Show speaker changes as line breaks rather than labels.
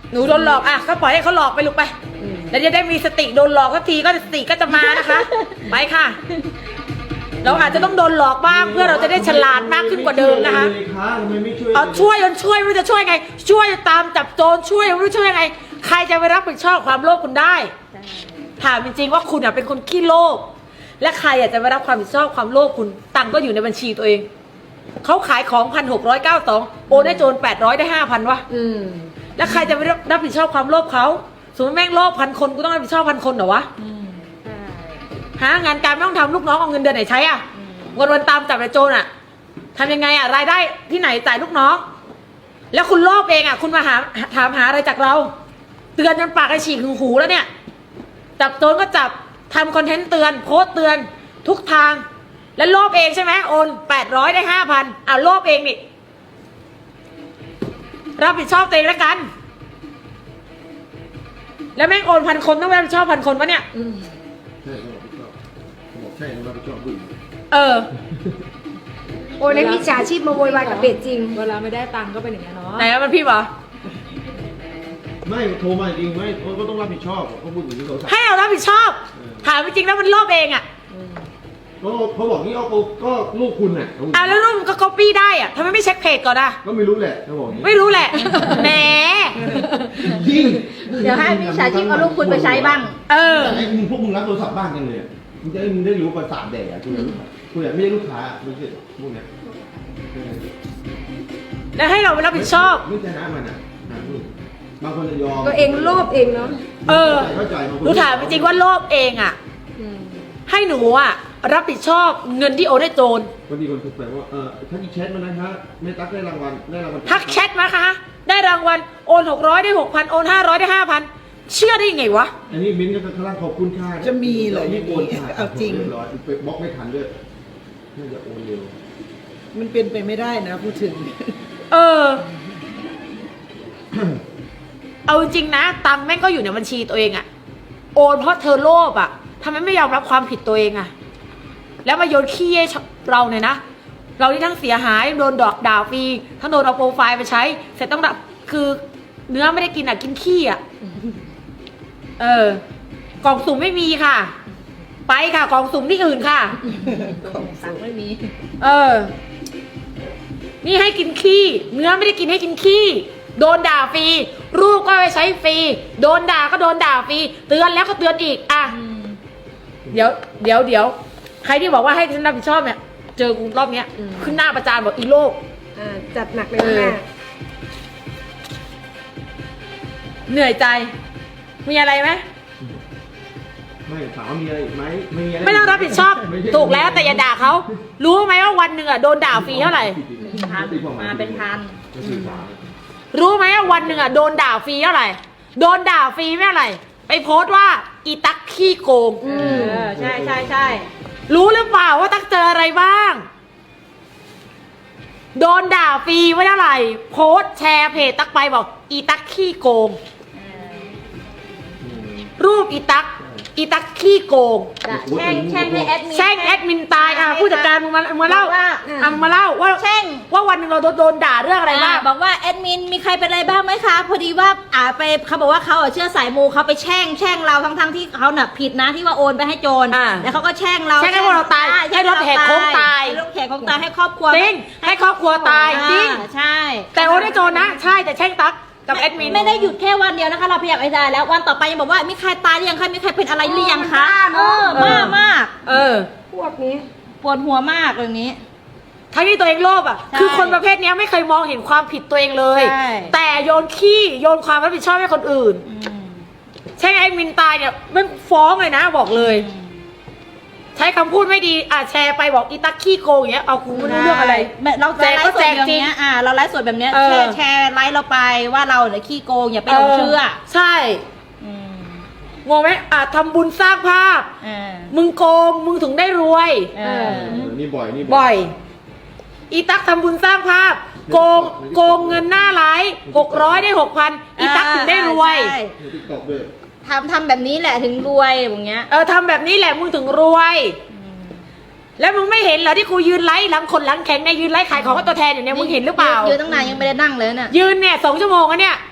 หนูโดนหลอกอ่ะก็ปล่อยให้เขาหลอกไปลูกไปแล้วจะได้มีสติโดนหลอกสักทีก็สติก็จะมานะคะ ไปค่ะ เราอาจจะต้องโดนหลอกบ้างเพื่อเราจะได้ฉลาดมากขึ้นกว่าเดิมนะคะ เอาช่วยจนช่วยไม่รู้จะช่วยไง ช่วยตามจับโจรช่วยไม่รู้ช่วยยังไง ใครจะไปรับผิดชอบความโลภคุณได้ถามจริงๆว่าคุณเป็นคนขี้โลภและใครจะไปรับความผิดชอบความโลภคุณตังค์ก็อยู่ในบัญชีตัวเองเขาขายของ1,692โอนให้โจร800ได้5,000วะแล้วใครจะไปรับผิดชอบความโลภเขาสมมติแม่งโลภ1,000 คนกูต้องรับผิดชอบ1,000 คนเหรอวะหางานการไม่ต้องทำลูกน้องเอาเงินเดือนไหนใช้วันตามจับไอ้โจรทำยังไงรายได้ที่ไหนจ่ายลูกน้องแล้วคุณโลภเองคุณมาถามหาอะไรจากเราเตือนจนปากไอ้ฉีกถึงหูแล้วเนี่ยจับโจรก็จับทำคอนเทนต์เตือนโพสต์เตือนทุกทางแล้วโลภเองใช่ไหมโอน800ได้5,000โลภเองนี่รับผิดชอบตัวเองแล้วกันแล้วแม่งโอน1,000 คนต้องรับผิดชอบ1,000 คนวะเนี่ย
ใช่เราไปชอบดู
โอ้ในมิจฉาชีพมาโวยวายกับเพจจริง
เวลาไม่ได้ตังค์ก็เป็นอย่างนี้เนาะ
ไหนมันพี่เหรอ
ไม่โทรมาจริงไหมก็ต้องรับผิดชอบเขาพูดอย่างนี้เขา
ให้เรารับผิดชอบถามจริงแล้วมันโลภเอง
เขาบอกนี่ก็ลูกคุณ
แล้วลูกมันก็ copy ได้ทำไมไม่เช็คเพจก่อน
ก็ไม่รู้แหละเขาบอก
ไม่รู้แหละแหม
ยิ่ง
เดี๋ยวให้มิจฉาชีพเอาลูกคุณไปใช้บ้าง
ไอ้พวกมึงรับโทรศัพท์บ้างกันเลยมึงได้รู้ประสาทแดกคุณไม่ใช่ลูกค้าไม่ใช่พวกเนี้ย
แล้วให้เราไปรับผิดชอบ
ไม่ชนะมันบางคนจะยอม
ตัวเองโลภเองเนาะ
หนูถามจริงว่าโลภเองให้หนูรับผิดชอบเงินที่โอนให้โจร
บางทีคนถูกแปลว่าถ้าอีแชทมานะคะไม่ตักได้รางวัล
ทักแชทมาคะได้รางวัลโอน600ได้6,000โอน500ได้5,000เชื่อได้ยังไงวะ
อันนี้มิ้นก็กำลังขอบคุณค่า
จะมีเหรอ
นี่โอนเอาจริงไปบล็อกไม่ทันด้วยน่าจะโอนเร็ว
มันเป็นไปไม่ได้นะพูดถึง
เอาจริงนะตังค์แม่งก็อยู่ในบัญชีตัวเองโอนเพราะเธอโลภทำไมไม่ยอมรับความผิดตัวเองแล้วมาโยนขี้ให้เราเนี่ยนะเราที่ทั้งเสียหายโดนดอกด่าฟรีทั้งโดนเอาโปรไฟล์ไปใช้เสร็จต้องรับคือเนื้อไม่ได้กินกินขี้กล่องสุ่มไม่มีค่ะไปค่ะกล่องสุ่มที่อื่นค่ะ
กล่องสุ่มไม่มี
นี่ให้กินขี้เนื้อไม่ได้กินให้กินขี้โดนด่าฟรีรูปก็ไปใช้ฟรีโดนด่าก็โดนด่าฟรีเตือนแล้วก็เตือนอีกเดี๋ยวใครที่บอกว่าให้ฉันรับผิดชอบเนี่ยเจอกูรอบเนี้ยขึ้นหน้าประจานบอกอีโลก
จัดหนักเลยแม่
เหนื่อยใจมีอะไรไหม
ไม่ถามว่ามีอะไรไหม
ไม่ต้องรับผิดชอบถูกแล้วแต่อย่าด่าเขารู้ไหมว่าวันหนึ่งโดนด่าฟรีเท่าไหร่
มาเป็นพัน
รู้ไหมว่าวันหนึ่งโดนด่าฟรีเท่าไหร่โดนด่าฟรีไม่เท่าไหร่ไปโพสต์ว่าอีตั๊กขี้โกง
ใช่
รู้หรือเปล่าว่าตั๊กเจออะไรบ้างโดนด่าฟรีไม่เท่าไหร่โพสต์แชร์เพจตั๊กไปบอกอีตั๊กขี้โกงรูปอีตั๊กขี้โกง
แช่งให้แอดมิน
ตายผู้จัดการมึงมาเล่ามาเล่าว่า
แช่ง
ว่าวันหนึ่งเราโดนด่าเรื่องอะไรบ้าง
บอกว่าแอดมินมีใครเป็นอะไรบ้างไหมคะพอดีว่าไปเขาบอกว่าเขาเชื่อสายมูเขาไปแช่งเราทั้งที่เขาเนี่ยผิดนะที่ว่าโอนไปให้โจรแล้วเขาก็แช่งเรา
ให้เราตายให้รถแหกโค้งตาย
รถแหกโค้งตายให้ครอบครัว
จริงให้ครอบครัวตายจริง
ใช่
แต่โอนให้โจรนะใช่แต่แช่งตั๊กกับแอดมิน
ไม่ได้หยุดแค่วันเดียวนะคะเราพยายามได้แล้ววันต่อไปยังบอกว่ามีใครตายหรือยังใครมีใครเป็นอะไรหรือยังคะมากพวกนี้ปวดหัวมากเรื่องนี้
ทั้งที่ตัวเองโลภคือคนประเภทนี้ไม่เคยมองเห็นความผิดตัวเองเลยแต่โยนขี้โยนความรับผิดชอบให้คนอื่นใช่ไอ้มินตายเนี่ยมันฟ้องเลยนะบอกเลยใช้คำพูดไม่ดีแชร์ไปบอกอีตั๊กขี้โกงอย่างเงี้ยเอากูไม่รู้เรื่องอะไร
เราแจกก็แจกจริงเราไลฟ์สดแบบเนี้ยแชร์ไลฟ์เราไปว่าเราเนี่ยขี้โกงอย่าไปหลงเชื่อ
ใช่งงไหมทำบุญสร้างภาพมึงโกงมึงถึงได้รวย
นี่บ่
อยอีตั๊กทำบุญสร้างภาพโกงเงินหน้าไลฟ์600ได้6,000อีตั๊กถึงได้รวย
ทำแบบนี้แหละถึงรวยอย่างเงี้ย
ทำแบบนี้แหละมึงถึงรวยแล้วมึงไม่เห็นเหรอที่กูยืนไลฟ์หลังแข็งในยืนไลฟ์ขายของกับตัวแทนอยู่เนี่ยมึงเห็นหรือเปล่า
ยืนตั้งนานยังไม่ได้นั่งเลยเนี่ย
ยืนเนี่ย2 ชั่วโมงแล้วเนี่ย